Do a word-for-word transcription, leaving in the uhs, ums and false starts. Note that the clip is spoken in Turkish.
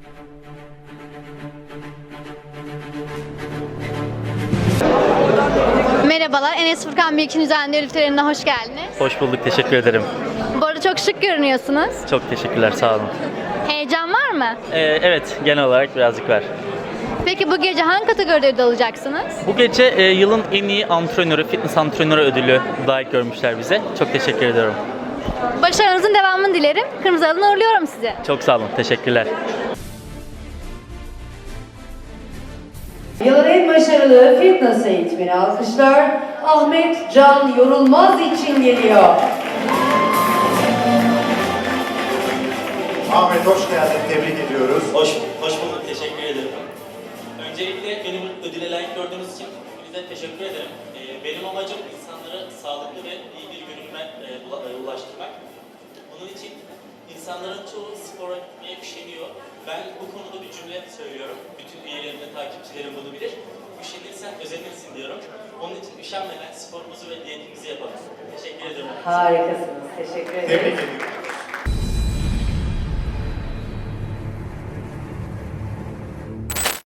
Merhabalar, Enes Furkan Bilgiç'in düzenli ödül törenine hoş geldiniz. Hoş bulduk, teşekkür ederim. Bu arada çok şık görünüyorsunuz. Çok teşekkürler, sağ olun. Heyecan var mı? Ee, evet, genel olarak birazcık var. Peki bu gece hangi kategoride ödül alacaksınız? Bu gece e, yılın en iyi antrenörü, fitness antrenörü ödülü layık görmüşler bize. Çok teşekkür ediyorum. Başarınızın devamını dilerim. Kırmızı Halı'na uğurluyorum sizi. Çok sağ olun, teşekkürler. Yılın en başarılı fitness eğitmeni alkışlar Ahmet Can Yorulmaz için geliyor. Ahmet hoş geldin, tebrik ediyoruz. Hoş, hoş bulduk, teşekkür ederim. Öncelikle beni bu ödüle layık gördüğünüz için hepinize teşekkür ederim. Ee, benim amacım insanlara sağlıklı ve iyi bir görünüme e, ulaştırmak. Bunun için insanların çoğu spora gitmeye üşeniyor. Ben bu konuda bir cümle söylüyorum. Bütün üyelerim ve takipçilerim bunu bilir. Üşenirsen özenirsin diyorum. Onun için üşenmeden sporumuzu ve diyetimizi yapalım. Teşekkür ederim. Harikasınız, teşekkür ederim. Tebrik ediyoruz.